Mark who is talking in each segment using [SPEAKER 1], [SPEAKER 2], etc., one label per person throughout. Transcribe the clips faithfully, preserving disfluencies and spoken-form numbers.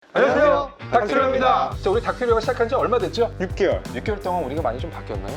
[SPEAKER 1] 안녕하세요, 닥터리오입니다. 자, 우리 닥터리오가 시작한 지 얼마 됐죠?
[SPEAKER 2] 육 개월.
[SPEAKER 1] 육 개월 동안 우리가 많이 좀 바뀌었나요?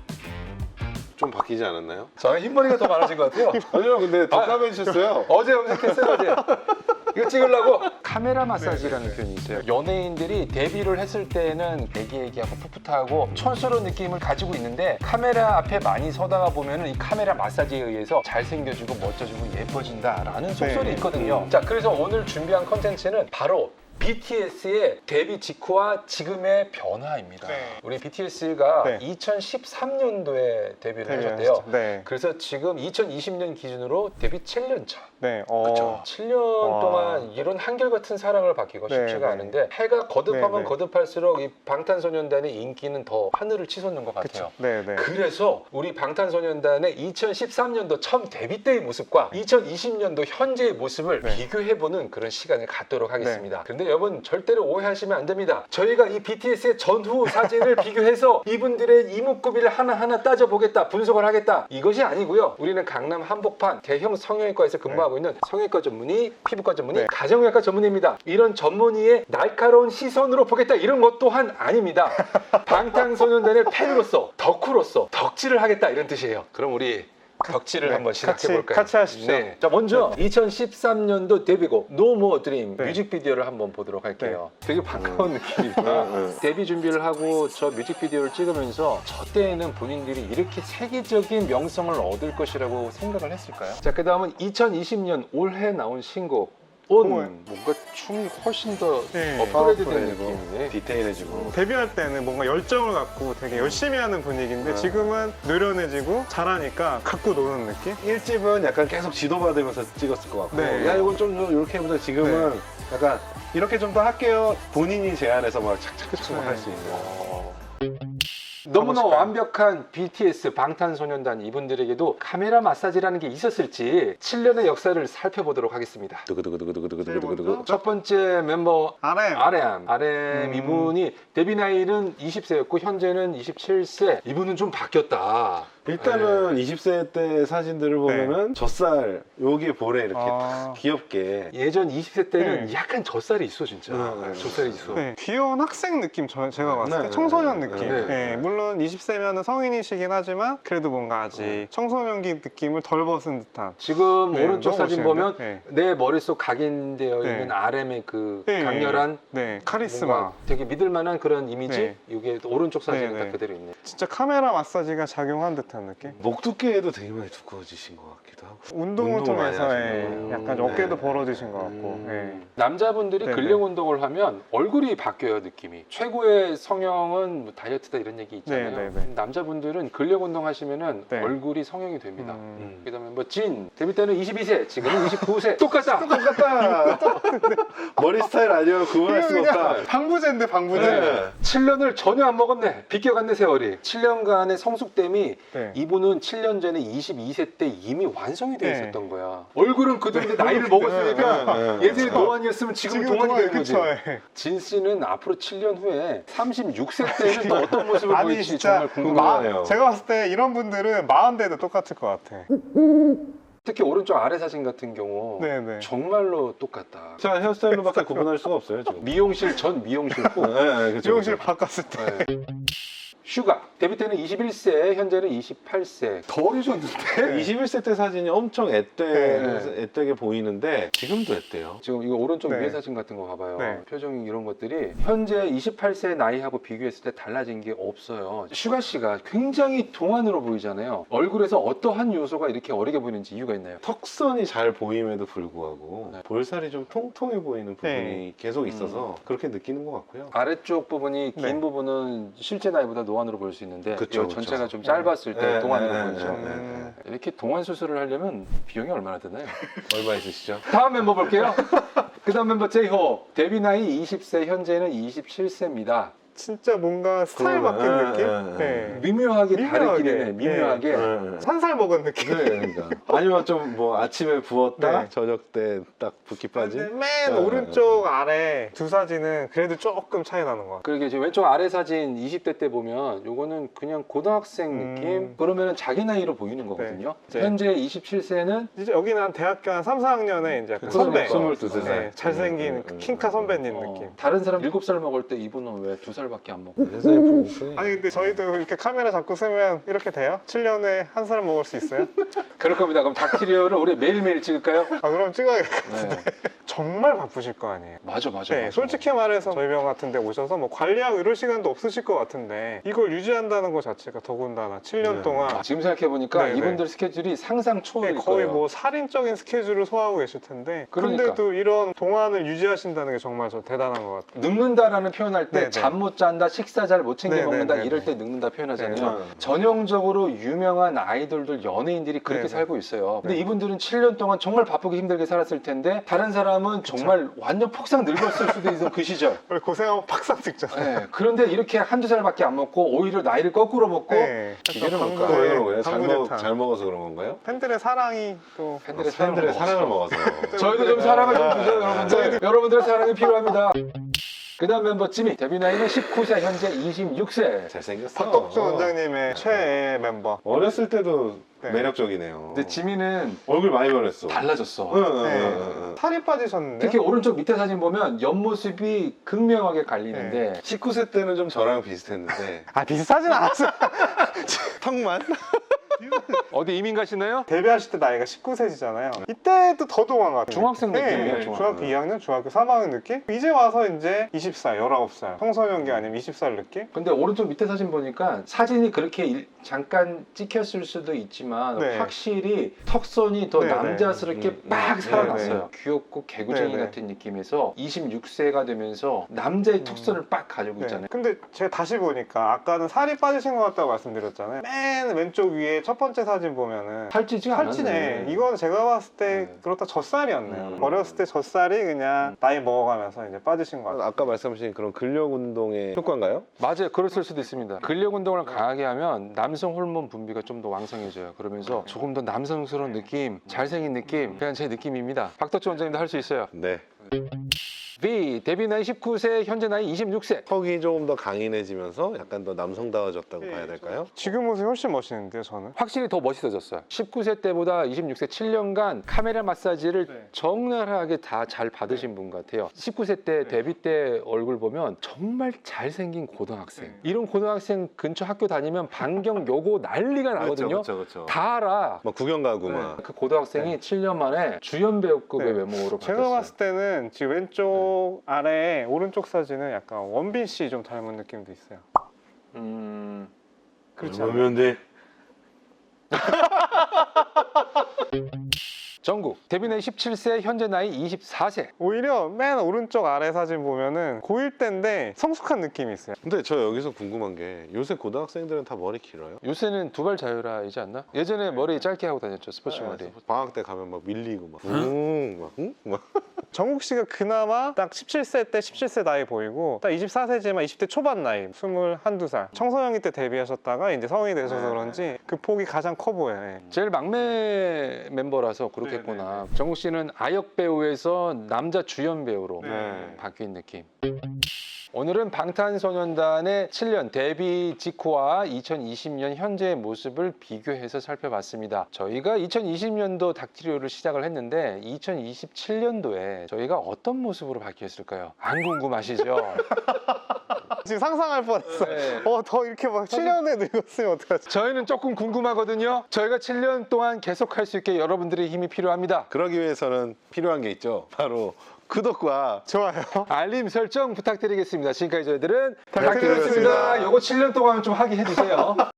[SPEAKER 3] 좀 바뀌지 않았나요?
[SPEAKER 1] 저는 흰머리가 더 많아진 것 같아요.
[SPEAKER 3] 아니요, 근데 더
[SPEAKER 1] 아,
[SPEAKER 3] 까매지셨어요.
[SPEAKER 1] 어제 염색했어요, 어제. 이거 찍으려고 카메라 마사지라는
[SPEAKER 2] 네, 네,
[SPEAKER 1] 표현이 있어요. 연예인들이 데뷔를 했을 때는 애기애기하고 풋풋하고 촌스러운 느낌을 가지고 있는데 카메라 앞에 많이 서다가 보면 이 카메라 마사지에 의해서 잘생겨지고 멋져지고 예뻐진다라는 속설이
[SPEAKER 2] 네.
[SPEAKER 1] 있거든요. 자, 그래서 오늘 준비한 컨텐츠는 바로 비티에스의 데뷔 직후와 지금의 변화입니다.
[SPEAKER 2] 네.
[SPEAKER 1] 우리 비티에스가
[SPEAKER 2] 네.
[SPEAKER 1] 이천십삼 년도에 데뷔를
[SPEAKER 2] 데뷔를
[SPEAKER 1] 하셨대요.
[SPEAKER 2] 하셨죠. 네.
[SPEAKER 1] 그래서 지금 이천이십 년 기준으로 데뷔 칠 년 차.
[SPEAKER 2] 네. 어.
[SPEAKER 1] 그렇죠. 칠 년
[SPEAKER 2] 와.
[SPEAKER 1] 동안 이런 한결같은 사랑을 받기가
[SPEAKER 2] 네,
[SPEAKER 1] 쉽지가
[SPEAKER 2] 네.
[SPEAKER 1] 않은데 해가 거듭하면
[SPEAKER 2] 네, 네.
[SPEAKER 1] 거듭할수록 이 방탄소년단의 인기는 더 하늘을 치솟는 것 같아요.
[SPEAKER 2] 그쵸. 네, 네.
[SPEAKER 1] 그래서 우리 방탄소년단의 이천십삼 년도 처음 데뷔 때의 모습과 이천이십 년도 현재의 모습을
[SPEAKER 2] 네.
[SPEAKER 1] 비교해보는 그런 시간을 갖도록 하겠습니다. 그런데 여러분 절대로 오해하시면 안 됩니다. 저희가 이 비티에스의 전후 사진을 비교해서 이분들의 이목구비를 하나하나 따져보겠다, 분석을 하겠다, 이것이 아니고요. 우리는 강남 한복판 대형 성형외과에서 근무하고 있는 성형외과 전문의, 피부과 전문의,
[SPEAKER 2] 네.
[SPEAKER 1] 가정의학과 전문의입니다. 이런 전문의의 날카로운 시선으로 보겠다, 이런 것 또한 아닙니다. 방탄소년단의 팬으로서, 덕후로서 덕질을 하겠다, 이런 뜻이에요. 그럼 우리 덕질을
[SPEAKER 2] 네,
[SPEAKER 1] 한번 시작해
[SPEAKER 2] 같이,
[SPEAKER 1] 볼까요?
[SPEAKER 2] 같이 하십시오.
[SPEAKER 1] 네. 자, 먼저 이천십삼 년도 데뷔곡 No More Dream
[SPEAKER 2] 네.
[SPEAKER 1] 뮤직비디오를 한번 보도록 할게요. 되게 반가운 느낌이다.
[SPEAKER 3] 네.
[SPEAKER 1] 데뷔 준비를 하고 저 뮤직비디오를 찍으면서 저 때에는 본인들이 이렇게 세계적인 명성을 얻을 것이라고 생각을 했을까요? 자, 그 다음은 이천이십 년 올해 나온 신곡 온.
[SPEAKER 2] 온.
[SPEAKER 1] 뭔가 춤이 훨씬 더
[SPEAKER 2] 네.
[SPEAKER 1] 업그레이드 된
[SPEAKER 3] 업그레이드고.
[SPEAKER 1] 느낌이네.
[SPEAKER 3] 디테일해지고.
[SPEAKER 2] 데뷔할 때는 뭔가 열정을 갖고 되게 열심히 하는 분위기인데
[SPEAKER 3] 네.
[SPEAKER 2] 지금은 노련해지고 잘하니까 갖고 노는 느낌?
[SPEAKER 3] 일 집은 약간 계속 지도받으면서 찍었을 것 같고,
[SPEAKER 2] 네.
[SPEAKER 3] 야 이건 좀 이렇게 해보자. 지금은 약간 이렇게 좀 더 할게요. 본인이 제안해서 막 착착착
[SPEAKER 2] 네.
[SPEAKER 3] 할 수 있는.
[SPEAKER 1] 너무나
[SPEAKER 2] 가보실까요?
[SPEAKER 1] 완벽한 비티에스 방탄소년단 이분들에게도 카메라 마사지라는 게 있었을지 칠 년의 역사를 살펴보도록 하겠습니다.
[SPEAKER 3] 두구두구두구두구두구두구두구.
[SPEAKER 1] 첫 번째 멤버
[SPEAKER 2] 알엠.
[SPEAKER 1] 아렘. 아렘
[SPEAKER 2] 음.
[SPEAKER 1] 이분이 데뷔 나이는 이십 세였고 현재는 이십칠 세. 이분은 좀 바뀌었다.
[SPEAKER 3] 일단은 이십 세 때 사진들을 보면은 젖살 여기에 볼에 이렇게
[SPEAKER 2] 아.
[SPEAKER 3] 딱 귀엽게.
[SPEAKER 1] 예전 이십 세 때는
[SPEAKER 2] 네.
[SPEAKER 1] 약간 젖살이 있어 진짜.
[SPEAKER 3] 네, 네.
[SPEAKER 1] 젖살이 있어.
[SPEAKER 2] 네, 귀여운 학생 느낌 저, 제가 봤을 때
[SPEAKER 3] 네,
[SPEAKER 2] 청소년
[SPEAKER 3] 네,
[SPEAKER 2] 느낌.
[SPEAKER 1] 네.
[SPEAKER 2] 네, 물론 이십 세면 성인이시긴 하지만 그래도 뭔가 아직 청소년기 느낌을 덜 벗은 듯한.
[SPEAKER 1] 지금
[SPEAKER 2] 네,
[SPEAKER 1] 오른쪽
[SPEAKER 2] 너무
[SPEAKER 1] 사진
[SPEAKER 2] 멋있는데?
[SPEAKER 1] 보면
[SPEAKER 2] 네.
[SPEAKER 1] 내 머릿속 각인되어
[SPEAKER 2] 네.
[SPEAKER 1] 있는 아렘의 그
[SPEAKER 2] 네.
[SPEAKER 1] 강렬한
[SPEAKER 2] 네, 카리스마.
[SPEAKER 1] 뭔가 되게 믿을 만한 그런 이미지.
[SPEAKER 2] 네.
[SPEAKER 1] 이게 또 오른쪽 사진은
[SPEAKER 2] 네,
[SPEAKER 1] 딱
[SPEAKER 2] 네.
[SPEAKER 1] 그대로 있네.
[SPEAKER 2] 진짜 카메라 마사지가 작용한 듯한 느낌?
[SPEAKER 3] 목 두께도 되게 많이 두꺼워지신 것 같기도 하고.
[SPEAKER 2] 운동을
[SPEAKER 3] 운동을 많이
[SPEAKER 2] 통해서
[SPEAKER 3] 하시는
[SPEAKER 2] 예,
[SPEAKER 3] 거예요.
[SPEAKER 2] 약간
[SPEAKER 3] 네.
[SPEAKER 2] 어깨도 벌어지신 것 같고
[SPEAKER 3] 음.
[SPEAKER 2] 예.
[SPEAKER 1] 남자분들이
[SPEAKER 2] 네네.
[SPEAKER 1] 근력 운동을 하면 얼굴이 바뀌어요, 느낌이. 최고의 성형은 뭐 다이어트다 이런 얘기 있잖아요.
[SPEAKER 2] 네네네.
[SPEAKER 1] 남자분들은 근력 운동 하시면은
[SPEAKER 2] 네.
[SPEAKER 1] 얼굴이 성형이 됩니다.
[SPEAKER 2] 음.
[SPEAKER 1] 그다음에 뭐 진 데뷔 때는 이십이 세, 지금은 이십구 세. 똑같다.
[SPEAKER 3] 똑같다. 머리 스타일 아니면 구분할 수가 없다.
[SPEAKER 2] 방부제인데 방부제.
[SPEAKER 3] 네.
[SPEAKER 1] 칠 년을 전혀 안 먹었네. 비껴갔네 세월이. 칠 년간의 성숙됨이
[SPEAKER 2] 네.
[SPEAKER 1] 이분은 칠 년 전에 이십이 세 때 이미 완성이 돼
[SPEAKER 2] 네.
[SPEAKER 1] 있었던 거야. 얼굴은 그대로인데 나이를 먹었으니까
[SPEAKER 3] 네, 네,
[SPEAKER 1] 예전에
[SPEAKER 3] 네.
[SPEAKER 1] 노안이었으면 지금 동안이 되는 거지.
[SPEAKER 2] 그쵸, 예.
[SPEAKER 1] 진 씨는 앞으로 칠 년 후에 삼십육 세 때는 또 어떤 모습을
[SPEAKER 2] 아니
[SPEAKER 1] 보일지
[SPEAKER 2] 진짜
[SPEAKER 1] 정말 궁금하네요.
[SPEAKER 3] 마-
[SPEAKER 2] 제가 봤을 때 이런 분들은 마흔 대도 똑같을 것 같아.
[SPEAKER 1] 특히 오른쪽 아래 사진 같은 경우
[SPEAKER 2] 네네.
[SPEAKER 1] 정말로 똑같다.
[SPEAKER 3] 자, 헤어스타일로밖에 구분할 수가 없어요, 지금.
[SPEAKER 1] 미용실 전 미용실 후.
[SPEAKER 3] 네, 네, 그쵸,
[SPEAKER 2] 미용실
[SPEAKER 3] 그쵸.
[SPEAKER 2] 바꿨을 때.
[SPEAKER 1] 네. 슈가 데뷔 때는 이십일 세, 현재는 이십팔 세. 더 어리셨는데?
[SPEAKER 3] 이십일 세 때 사진이 엄청 앳되,
[SPEAKER 1] 네.
[SPEAKER 3] 앳되게 보이는데 지금도 앳돼요.
[SPEAKER 1] 지금 이거 오른쪽
[SPEAKER 2] 네.
[SPEAKER 1] 위에 사진 같은 거 봐봐요.
[SPEAKER 2] 네.
[SPEAKER 1] 표정 이런 것들이 현재 이십팔 세 나이하고 비교했을 때 달라진 게 없어요. 슈가 씨가 굉장히 동안으로 보이잖아요. 얼굴에서 어떠한 요소가 이렇게 어리게 보이는지 이유가 있나요?
[SPEAKER 3] 턱선이 잘 보임에도 불구하고
[SPEAKER 1] 네.
[SPEAKER 3] 볼살이 좀 통통해 보이는 부분이
[SPEAKER 2] 네.
[SPEAKER 3] 계속 있어서 그렇게 느끼는 것 같고요.
[SPEAKER 1] 아래쪽 부분이 긴
[SPEAKER 2] 네.
[SPEAKER 1] 부분은 실제 나이보다 노안으로 보일 수 있는데
[SPEAKER 3] 그쵸,
[SPEAKER 1] 이 전체가
[SPEAKER 3] 그쵸.
[SPEAKER 1] 좀 짧았을 때
[SPEAKER 3] 네,
[SPEAKER 1] 동안으로
[SPEAKER 3] 네,
[SPEAKER 1] 보이죠.
[SPEAKER 3] 네, 네,
[SPEAKER 2] 음.
[SPEAKER 1] 이렇게 동안 수술을 하려면 비용이 얼마나 드나요?
[SPEAKER 3] 얼마 있으시죠?
[SPEAKER 1] 다음 멤버 볼게요. 그 다음 멤버 제이홉 데뷔 나이 이십 세, 현재는 이십칠 세입니다.
[SPEAKER 2] 진짜 뭔가 스타일
[SPEAKER 3] 그러네.
[SPEAKER 2] 바뀐 느낌?
[SPEAKER 3] 예, 예,
[SPEAKER 2] 네.
[SPEAKER 1] 미묘하게,
[SPEAKER 2] 미묘하게.
[SPEAKER 1] 다르긴 해. 미묘하게.
[SPEAKER 3] 예, 예.
[SPEAKER 2] 산살 먹은 느낌.
[SPEAKER 3] 네, 그러니까. 아니면 좀 뭐 아침에 부었다
[SPEAKER 2] 네.
[SPEAKER 3] 저녁 때 딱 붓기
[SPEAKER 2] 근데
[SPEAKER 3] 빠진.
[SPEAKER 2] 맨
[SPEAKER 3] 네.
[SPEAKER 2] 오른쪽 아래 두 사진은 그래도 조금 차이 나는 것 같아요.
[SPEAKER 1] 그러게 지금 왼쪽 아래 사진 이십 대 때 보면 요거는 그냥 고등학생
[SPEAKER 2] 음.
[SPEAKER 1] 느낌? 그러면은 자기 나이로 보이는 거거든요.
[SPEAKER 2] 네.
[SPEAKER 1] 현재 이십칠 세는
[SPEAKER 2] 이제 여기는 한 대학교 한 삼, 사 학년에 이제 약간
[SPEAKER 3] 그러니까
[SPEAKER 2] 선배.
[SPEAKER 3] 스물두 살.
[SPEAKER 2] 네, 잘생긴
[SPEAKER 3] 음, 음,
[SPEAKER 2] 킹카
[SPEAKER 3] 음,
[SPEAKER 2] 선배님
[SPEAKER 1] 어,
[SPEAKER 2] 느낌.
[SPEAKER 1] 다른 사람 일곱 살 먹을 때 이분은 왜 두 살밖에 안 먹고?
[SPEAKER 3] 세상에 보고.
[SPEAKER 2] 아니 근데 저희도 이렇게 카메라 잡고 쓰면 이렇게 돼요? 칠 년에 한 사람 먹을 수 있어요?
[SPEAKER 1] 그럴 겁니다. 그럼 닥티리오를 우리 매일매일 찍을까요?
[SPEAKER 2] 아 그럼 찍어야겠다.
[SPEAKER 1] 네.
[SPEAKER 2] 정말 바쁘실 거 아니에요.
[SPEAKER 1] 맞아 맞아.
[SPEAKER 2] 네,
[SPEAKER 1] 맞아.
[SPEAKER 2] 솔직히 말해서 저희 병 같은 데 오셔서 뭐 관리하고 이럴 시간도 없으실 것 같은데 이걸 유지한다는 것 자체가 더군다나 칠 년
[SPEAKER 3] 네.
[SPEAKER 2] 동안
[SPEAKER 1] 아, 지금 생각해 보니까
[SPEAKER 2] 네,
[SPEAKER 1] 이분들 스케줄이 상상 초월일
[SPEAKER 2] 거의
[SPEAKER 1] 거예요.
[SPEAKER 2] 뭐 살인적인 스케줄을 소화하고 계실 텐데
[SPEAKER 1] 그러니까.
[SPEAKER 2] 근데도 이런 동안을 유지하신다는 게 정말 저 대단한 것 같아요.
[SPEAKER 1] 늙는다라는 표현할 때
[SPEAKER 2] 네네.
[SPEAKER 1] 잠 못 잔다, 식사 잘 못 챙겨
[SPEAKER 2] 네네네네.
[SPEAKER 1] 먹는다 이럴 때 늙는다 표현하잖아요.
[SPEAKER 3] 네.
[SPEAKER 1] 전형적으로 유명한 아이돌들, 연예인들이 그렇게
[SPEAKER 2] 네네.
[SPEAKER 1] 살고 있어요. 근데
[SPEAKER 2] 네.
[SPEAKER 1] 이분들은 칠 년 동안 정말 바쁘게 힘들게 살았을 텐데 다른 사람은 정말 완전 폭삭 늙었을 수도 있어 그 시절.
[SPEAKER 2] 원래 고생하면 팍상 찍잖아요.
[SPEAKER 1] 네. 그런데 이렇게 한두 살밖에 안 먹고 오히려 나이를 거꾸로 먹고
[SPEAKER 2] 네.
[SPEAKER 1] 기계는
[SPEAKER 2] 약간
[SPEAKER 1] 뭘까요?
[SPEAKER 2] 방금-
[SPEAKER 3] 왜 그런 거예요? 잘,
[SPEAKER 2] 방구대탕.
[SPEAKER 3] 먹, 잘 먹어서 그런 건가요?
[SPEAKER 2] 팬들의 사랑이 또
[SPEAKER 1] 팬들의 사랑을,
[SPEAKER 3] 팬들의
[SPEAKER 1] 먹었어.
[SPEAKER 3] 사랑을 먹어서.
[SPEAKER 1] 저희도 좀 사랑을 좀 주세요 여러분들. 여러분들의 사랑이 필요합니다. 그 다음 멤버 찌미 데뷔 나이는 십구 세 현재 이십육 세.
[SPEAKER 3] 잘생겼어.
[SPEAKER 2] 박덕준 원장님의 최애 멤버.
[SPEAKER 3] 어렸을 때도
[SPEAKER 2] 네.
[SPEAKER 3] 매력적이네요.
[SPEAKER 1] 근데 지미는
[SPEAKER 3] 얼굴 많이 변했어.
[SPEAKER 1] 달라졌어.
[SPEAKER 3] 응, 응,
[SPEAKER 2] 네.
[SPEAKER 3] 응, 응.
[SPEAKER 2] 살이 빠지셨는데
[SPEAKER 1] 특히 오른쪽 밑에 사진 보면 옆모습이 극명하게 갈리는데
[SPEAKER 3] 십구 세 때는 좀 저랑 비슷했는데
[SPEAKER 2] 아 비슷하진 않았어요.
[SPEAKER 3] 턱만?
[SPEAKER 1] 어디 이민 가시나요?
[SPEAKER 2] 데뷔하실 때 나이가 십구 세시잖아요. 이때도 더 동안 같아요.
[SPEAKER 1] 중학생 느낌이에요, 중학-
[SPEAKER 2] 중학교 이 학년, 중학교 삼 학년 느낌? 이제 와서 이제 이십 살, 열아홉 살. 청소년기 아니면 이십 살 느낌?
[SPEAKER 1] 근데 오른쪽 밑에 사진 보니까 사진이 그렇게 일- 잠깐 찍혔을 수도 있지만
[SPEAKER 2] 네.
[SPEAKER 1] 확실히 턱선이 더
[SPEAKER 2] 네, 네.
[SPEAKER 1] 남자스럽게
[SPEAKER 3] 음, 음.
[SPEAKER 1] 막
[SPEAKER 3] 네,
[SPEAKER 1] 살아났어요. 귀엽고 개구쟁이
[SPEAKER 2] 네, 네.
[SPEAKER 1] 같은 느낌에서 이십육 세가 되면서 남자의 턱선을 빡 가지고
[SPEAKER 2] 네.
[SPEAKER 1] 있잖아요.
[SPEAKER 2] 근데 제가 다시 보니까 아까는 살이 빠지신 것 같다고 말씀드렸잖아요. 맨 왼쪽 위에 첫 번째 사진 보면은
[SPEAKER 1] 살찌지가
[SPEAKER 2] 살찌네.
[SPEAKER 1] 않았네.
[SPEAKER 2] 이건 제가 봤을 때
[SPEAKER 3] 네.
[SPEAKER 2] 그렇다 젖살이었네요.
[SPEAKER 3] 음.
[SPEAKER 2] 어렸을 때 젖살이 그냥 나이 먹어가면서 이제 빠지신 것 같아요.
[SPEAKER 3] 아까 말씀하신 그런 근력 운동의 효과인가요?
[SPEAKER 1] 맞아요. 그랬을 수도 있습니다. 근력 운동을 강하게 하면 남성 호르몬 분비가 좀 더 왕성해져요. 그러면서 조금 더 남성스러운 느낌, 잘생긴 느낌, 그냥 제 느낌입니다. 박덕주 원장님도 할 수 있어요.
[SPEAKER 3] 네.
[SPEAKER 1] B. 데뷔 나이 십구 세, 현재 나이 이십육 세.
[SPEAKER 3] 턱이 조금 더 강인해지면서 약간 더 남성다워졌다고 봐야 될까요?
[SPEAKER 2] 지금 모습이 훨씬 멋있는데요, 저는?
[SPEAKER 1] 확실히 더 멋있어졌어요. 십구 세 때보다 이십육 세 칠 년간 카메라 마사지를
[SPEAKER 2] 네.
[SPEAKER 1] 적나라하게 다 잘 받으신 분 같아요. 십구 세 때
[SPEAKER 2] 네.
[SPEAKER 1] 데뷔 때 얼굴 보면 정말 잘생긴 고등학생.
[SPEAKER 2] 네.
[SPEAKER 1] 이런 고등학생 근처 학교 다니면 반경 요고 난리가 나거든요.
[SPEAKER 3] 그렇죠, 그렇죠.
[SPEAKER 1] 다 알아.
[SPEAKER 3] 막 구경 가고 막.
[SPEAKER 1] 그 고등학생이 칠 년 만에 주연 배우급의
[SPEAKER 2] 네.
[SPEAKER 1] 외모로
[SPEAKER 2] 제가
[SPEAKER 1] 바뀌었어요.
[SPEAKER 2] 봤을 때는 지금 왼쪽 아래 오른쪽 사진은 약간 원빈 씨 좀 닮은 느낌도 있어요.
[SPEAKER 1] 음...
[SPEAKER 2] 그렇지 않아요?
[SPEAKER 3] 그러면 돼.
[SPEAKER 1] 정국 데뷔 나이 십칠 세, 현재 나이 이십사 세.
[SPEAKER 2] 오히려 맨 오른쪽 아래 사진 보면은 고일 때인데 성숙한 느낌이 있어요.
[SPEAKER 3] 근데 저 여기서 궁금한 게 요새 고등학생들은 다 머리 길어요?
[SPEAKER 1] 요새는 두발 자유라이지 않나? 예전에 머리 짧게 하고 다녔죠, 스포츠 머리.
[SPEAKER 3] 방학 때 가면 막 밀리고 막. 응? 막, 응? 막.
[SPEAKER 2] 정국 씨가 그나마 딱 십칠 세 때 십칠 세 나이 보이고 딱 이십사 세지만 이십 대 초반 나이 스물한두 살 청소년기 때 데뷔하셨다가 이제 성인이 되셔서 그런지 그 폭이 가장 커 보여요. 예.
[SPEAKER 1] 제일 막내 멤버라서 그렇겠구나. 정국 씨는 아역 배우에서 남자 주연 배우로
[SPEAKER 3] 네.
[SPEAKER 1] 바뀐 느낌. 오늘은 방탄소년단의 칠 년 데뷔 직후와 이천이십 년 현재의 모습을 비교해서 살펴봤습니다. 저희가 이천이십 년도 닥티리오를 시작을 했는데 이천이십칠 년도에 저희가 어떤 모습으로 바뀌었을까요? 안 궁금하시죠?
[SPEAKER 2] 지금 상상할 뻔했어.
[SPEAKER 1] 네.
[SPEAKER 2] 어, 더 이렇게 막 칠 년에 늙었으면 어떡하지?
[SPEAKER 1] 저희는 조금 궁금하거든요. 저희가 칠 년 동안 계속할 수 있게 여러분들의 힘이 필요합니다.
[SPEAKER 3] 그러기 위해서는 필요한 게 있죠. 바로 구독과
[SPEAKER 2] 좋아요.
[SPEAKER 1] 알림 설정 부탁드리겠습니다. 지금까지 저희들은
[SPEAKER 2] 닥터리오였습니다.
[SPEAKER 1] 닥터리오였습니다. 요거 칠 년 동안 좀 하게 해주세요.